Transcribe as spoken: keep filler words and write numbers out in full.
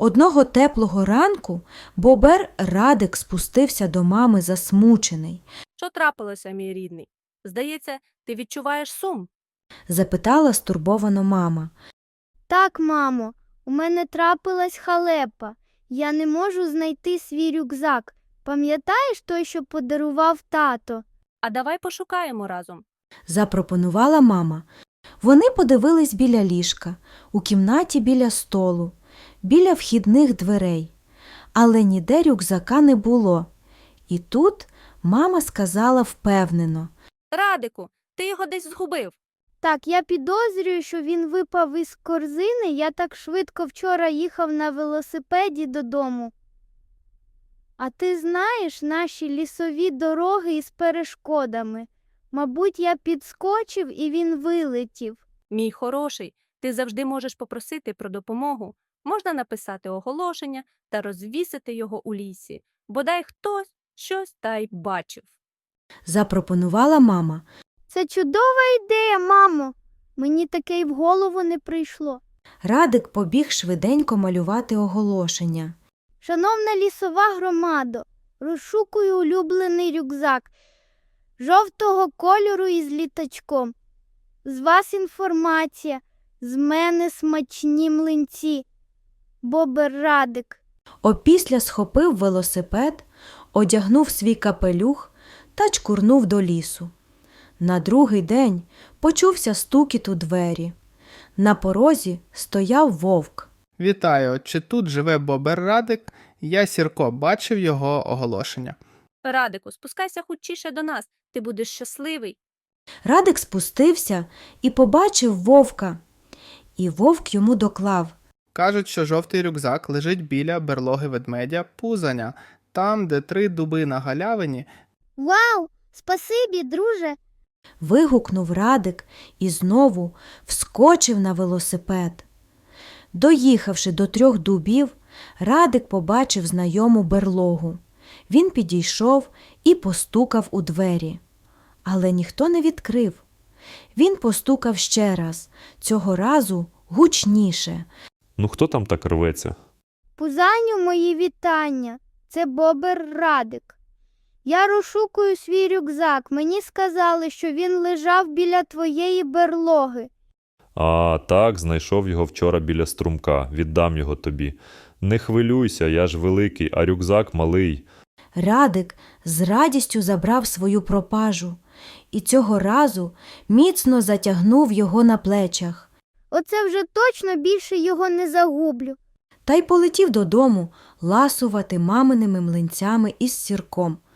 Одного теплого ранку бобер Радик спустився до мами засмучений. Що трапилося, мій рідний? Здається, ти відчуваєш сум. Запитала стурбовано мама. Так, мамо, у мене трапилась халепа. Я не можу знайти свій рюкзак. Пам'ятаєш той, що подарував тато? А давай пошукаємо разом. Запропонувала мама. Вони подивились біля ліжка, у кімнаті біля столу, біля вхідних дверей. Але ніде рюкзака не було. І тут мама сказала впевнено. Радику, ти його десь згубив. Так, я підозрюю, що він випав із корзини. Я так швидко вчора їхав на велосипеді додому. А ти знаєш наші лісові дороги із перешкодами? Мабуть, я підскочив і він вилетів. Мій хороший, ти завжди можеш попросити про допомогу. Можна написати оголошення та розвісити його у лісі. Бодай хтось щось та й бачив. Запропонувала мама. Це чудова ідея, мамо. Мені таке й в голову не прийшло. Радик побіг швиденько малювати оголошення. Шановна лісова громадо, розшукую улюблений рюкзак жовтого кольору із літачком. З вас інформація, з мене смачні млинці. Бобер Радик. Опісля схопив велосипед, одягнув свій капелюх та чкурнув до лісу. На другий день почувся стукіт у двері. На порозі стояв вовк. Вітаю, чи тут живе Бобер Радик? Я Сірко, бачив його оголошення. Радику, спускайся хутчіше до нас, ти будеш щасливий. Радик спустився і побачив вовка. І вовк йому доклав. Кажуть, що жовтий рюкзак лежить біля берлоги ведмедя Пузаня, там, де три дуби на галявині. Вау! Спасибі, друже! Вигукнув Радик і знову вскочив на велосипед. Доїхавши до трьох дубів, Радик побачив знайому берлогу. Він підійшов і постукав у двері. Але ніхто не відкрив. Він постукав ще раз, цього разу гучніше. Ну хто там так рветься? Пузаню, мої вітання. Це Бобер Радик. Я розшукую свій рюкзак. Мені сказали, що він лежав біля твоєї берлоги. А, так, знайшов його вчора біля струмка. Віддам його тобі. Не хвилюйся, я ж великий, а рюкзак малий. Радик з радістю забрав свою пропажу і цього разу міцно затягнув його на плечах. Оце вже точно більше його не загублю. Та й полетів додому ласувати маминими млинцями із сірком.